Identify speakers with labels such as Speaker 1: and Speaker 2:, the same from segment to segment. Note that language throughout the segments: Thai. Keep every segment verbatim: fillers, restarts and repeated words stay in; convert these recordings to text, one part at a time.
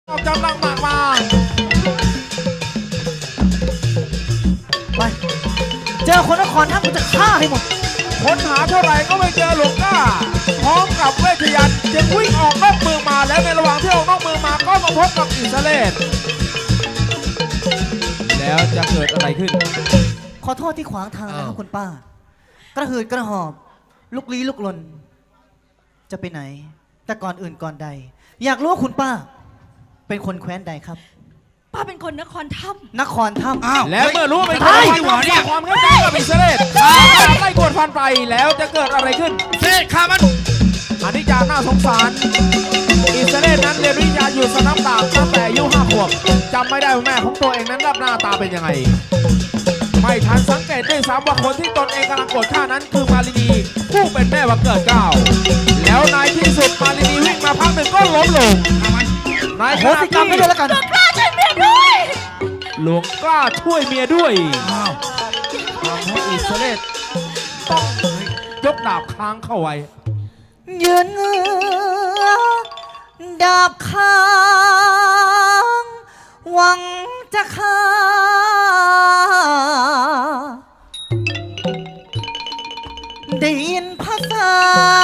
Speaker 1: เอากำลังมากมา
Speaker 2: ไปเจอคนนครท่ากูจะฆ่าให้หมด
Speaker 1: ค้นหาเท่าไหร่ก็ไม่เจอหลวงก้าพร้อมกับเวทยันต์จึงวิ่งออกนอกเมืองมาแล้วในระหว่างที่ออกนอกเมืองมาก็มาพบกับอิสเลสแล้วจะเกิดอะไรขึ้น
Speaker 2: ขอโทษที่ขวางทางนะครับคุณป้ากระหืดกระหอบลุกลี้ลุกลนจะไปไหนแต่ก่อนอื่นก่อนใดอยากรู้ว่าคุณป้าเป็นคนแคว้นใดครับ
Speaker 3: ป้าเป็นคนนครถ้
Speaker 2: ำนครถ้ำ
Speaker 1: แล้วเมื่อรู้ว่าเป็นคนนครถ้ำเนี่ยความเข้าใจกับอิสเลสไล่กวดฟันไปแล้วจะเกิดอะไรขึ้น
Speaker 4: เสกข้ามัน
Speaker 1: อันนี้จาน่าสงสารอิสเลสนั้นเรียนวิทยาอยู่สนามดาบตั้งแต่อายุห้าขวบจำไม่ได้ว่าแม่ของตัวเองนั้นรับหน้าตาเป็นยังไงไม่ทันสังเกตด้วยซ้ำว่าคนที่ตนเองกำลังโกรธข้านั้นคือมาลินีผู้เป็นแม่วันเกิดเก้าแล้วในที่สุดมาลินีวิ่งมาพักหนึ่งก็ล้มลงนายโหสิกรรมไม่ได้แล้วกันหลวงกล้าช่วยเมียด้วยทำให้อิสเลสต้องยกดาบค้างเข้าไว้
Speaker 2: ยืนเงือดาบค้างหวังจะฆ่าได้ยินภาษา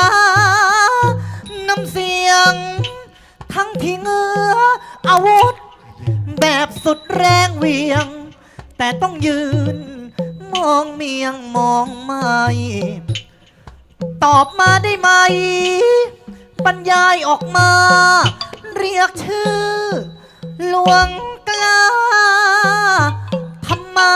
Speaker 2: น้ำเสียงทั้งที่เงืออาวุธแบบสุดแรงเวียงแต่ต้องยืนมองเมียงมองไม่ตอบมาได้ไหมบรรยายออกมาเรียกชื่อหลวงกล้าทำไม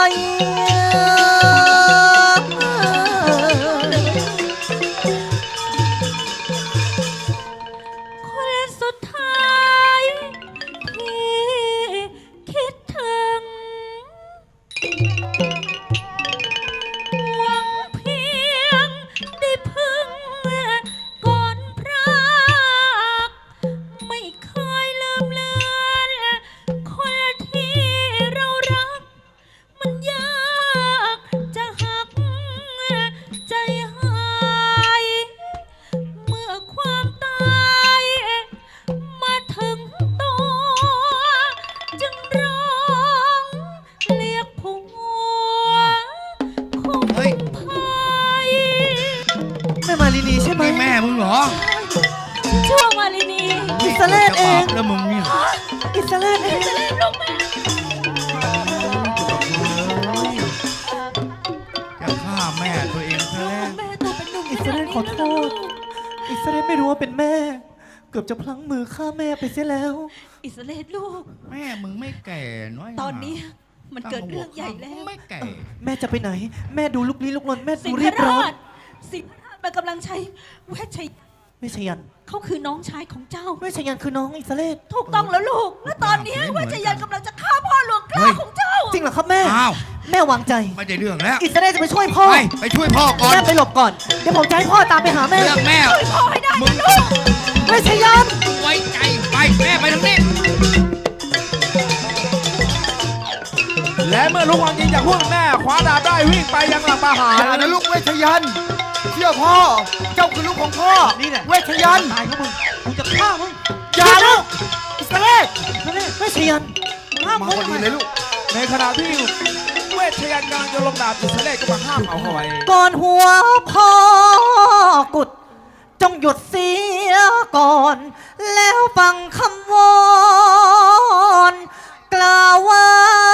Speaker 3: คนสุดท้ายที่คิดถึงหวังเพียงได้พึ่งก่อนพรากไม่เคยลืมเลือนคนที่เรารักมันยากจะหักใจหายเมื่อความตายมาถึงตัวจึงร้องเรียกผัวคุ้มภัย
Speaker 2: แม่มาลีนีใช่ไหม
Speaker 4: แม่มึงเหรอ
Speaker 3: ชั่วมาลินี
Speaker 2: อิสเลสเอง
Speaker 4: แล้วมึงเนี่ย
Speaker 2: อิสเลสเอง
Speaker 3: ลูกแม่
Speaker 4: จะฆ่าแม่ตัวเองซะแล้ว
Speaker 3: แม่ตัวเป็นหนุ่ม
Speaker 2: อิสเลสขอโทษอิสเลสไม่รู้ว่าเป็นแม่เกือบจะพลั้งมือฆ่าแม่ไปเสียแล้ว
Speaker 3: อิสเลสลูก
Speaker 4: แม่มึงไม่แก่น้อย
Speaker 3: ตอนนี้มันเกิดเรื่องใหญ่แล้ว
Speaker 4: ไม่แก่
Speaker 2: แม่จะไปไหนแม่ดูลุกลี้ลุกลนแม่ดูรีบร้อน
Speaker 3: สิงห์ราชมันกำลังใช้เวชชัย
Speaker 2: ไม่ใช่ยัน
Speaker 3: เขาคือน้องชายของเจ้า
Speaker 2: ไม่ใช่ยันคือน้องอิสเลส
Speaker 3: ถูกต้องแล้วลูกและตอนนี้เวชยันกำลังจะฆ่าพ่อหลวงกล้าของเจ้า
Speaker 2: จริงเหรอครับแม่แม่วางใจ
Speaker 4: ไม่ได้เรื่องแล้ว
Speaker 2: อิสเลสจะไปช่วยพ่อ
Speaker 4: ไปไปช่วยพ่อก่อน
Speaker 2: แม่ไปหลบก่อนเดี๋ยวผมจะให้พ่อตามไปหาแม่
Speaker 4: เรื่องแม่
Speaker 3: ช่วยพ่อให้ได้นะลูก
Speaker 2: ไม่ใช่ยัน
Speaker 4: ไว้ใจไปแม่ไปทางนี้
Speaker 1: และเมื่อลูกวังยิงจากพวกแม่คว้าดาบได้วิ่งไปยังหลังปาหาร
Speaker 4: อย่านะลูกเวชยันต์เชื่อพ่อเจ้าคือลูกของพ่อ
Speaker 2: นี่แหละ
Speaker 4: เวชยันต์
Speaker 2: ตายเขามึงกูจะฆ่ามึง
Speaker 4: อย่าลูกอิสเลส
Speaker 2: ไม่ใช่ยันห้าม
Speaker 4: มา
Speaker 2: มึง
Speaker 4: พอดีเลยลูก
Speaker 1: ในขณะที่เวชยันต์กำลังจะลงดาบอิสเลสก็มาห้ามเอาเอาไว้
Speaker 2: ก่อนหัวพ่อกุดจงหยุดเสียก่อนแล้วฟังคำวอนกล่าวว่า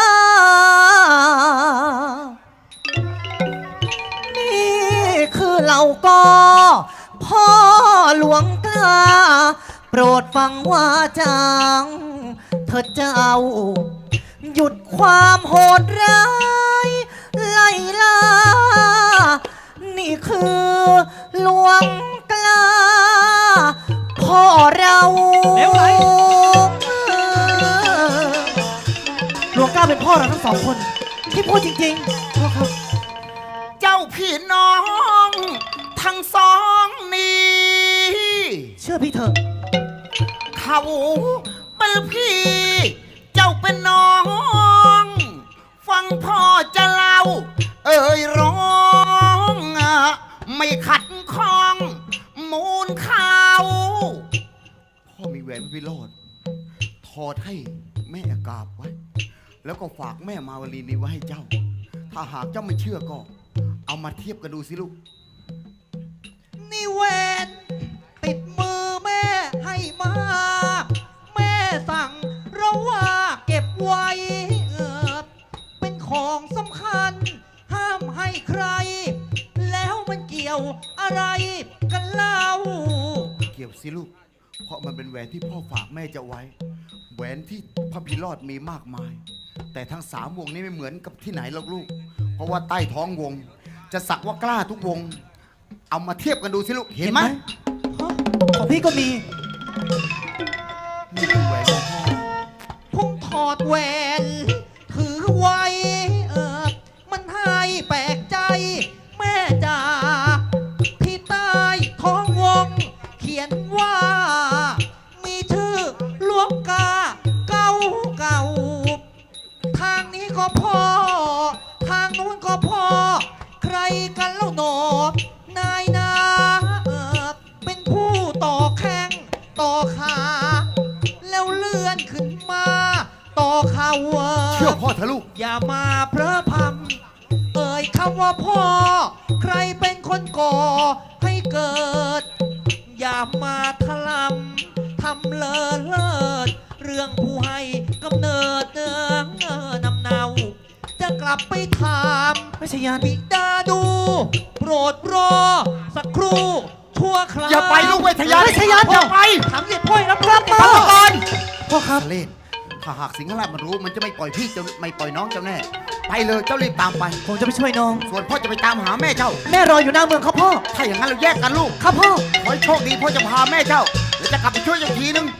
Speaker 2: นี่คือเหล่าก็พ่อหลวงกล้าโปรดฟังว่าจังเธอเจ้าหยุดความโหดร้ายไล่ล่านี่คือหลวงกล้าพ่อเราเร็วไหมหลวงกล้าเป็นพ่อเราทั้งสองคนที่พูดจริงๆพ่อครับ
Speaker 4: เจ้าพี่น้องทั้งสองนี้
Speaker 2: เชื่อพี่เถอะ
Speaker 4: เขาเป็นพี่เจ้าเป็นน้อง ฟังพ่อจะเล่าเอ่ยร้องไม่ขัดข้องมูลข่าวพ่อมีแหวนพิโรธทอดให้แม่กราบไว้ แล้วก็ฝากแม่มาวลีนี้ไว้ให้เจ้า ถ้าหากเจ้าไม่เชื่อก็ เอามาเทียบกันดูสิลูก
Speaker 2: นี่แหวนติดมือแม่ให้มา แม่สั่งเราว่าเก็บไว้เออเป็นของสำคัญ ห้ามให้ใคร แล้วมันเกี่ยวอะไรกันเล่า
Speaker 4: เกี่ยวสิลูก เพราะมันเป็นแหวนที่พ่อฝากแม่จะไว้ แหวนที่พระพิรอดมีมากมาย แต่ทั้งสามวงนี้ไม่เหมือนกับที่ไหนหรอกลูก เพราะว่าใต้ท้องวง จะสักว่ากล้าทุกวง เอามาเทียบกันดูสิลูก เห็นไหม
Speaker 2: ฮะของพี่ก็มี
Speaker 4: นี่คือแหวนของพ่อ
Speaker 2: พุ่งถอดแหวน ถือไว้เออมันให้แปลกใจ แม่จ๋าที่ใต้ท้องวง เขียนว่า มีชื่อหลวงกาเก่าเก่า ทางนี้ก็พ่อ ทางนู้นก็พ่อ ใครกันเล่าหนอนายนาเออเป็นผู้ต่อแข้งต่อขา แล้วเลื่อนขึ้นมา ต่อเข่า
Speaker 4: เชื่อพ่อเถอะลูก
Speaker 2: อย่ามาเพลอพำเอ่ยคำว่าพ่อ ใครเป็นคนก่อให้เกิด อย่ามาทะลำทำเลอเลิศเรื่องผู้ให้กำเนิดเนืองเออนำเนา จะกลับไปถามไม่ใช่ยานบิดาดู โปรดรอ สักครู่ชั่วคราว
Speaker 4: อย่าไปลูกเวทยา
Speaker 2: ไม่ใช่ยาน
Speaker 4: อย่าไป
Speaker 2: ถามเหยียดพ่อยรับรับมา
Speaker 4: พ่อก่อน
Speaker 2: พ่อครับ
Speaker 4: ทะเลศถ้าหากสิงห์ราชมันรู้มันจะไม่ปล่อยพี่เจ้าไม่ปล่อยน้องเจ้าแน่ ไปเลยเจ้ารีบตามไป
Speaker 2: ผมจะไปช่วยน้อง
Speaker 4: ส่วนพ่อจะไปตามหาแม่เจ้า
Speaker 2: แม่รออยู่หน้าเมืองครับพ่อ
Speaker 4: ถ้าอย่างนั้นเราแยกกันลูก
Speaker 2: ครับพ่อ
Speaker 4: ขอให้โชคดีพ่อจะพาแม่เจ้าแล้วจะกลับไปช่วยเจ้าทีนึง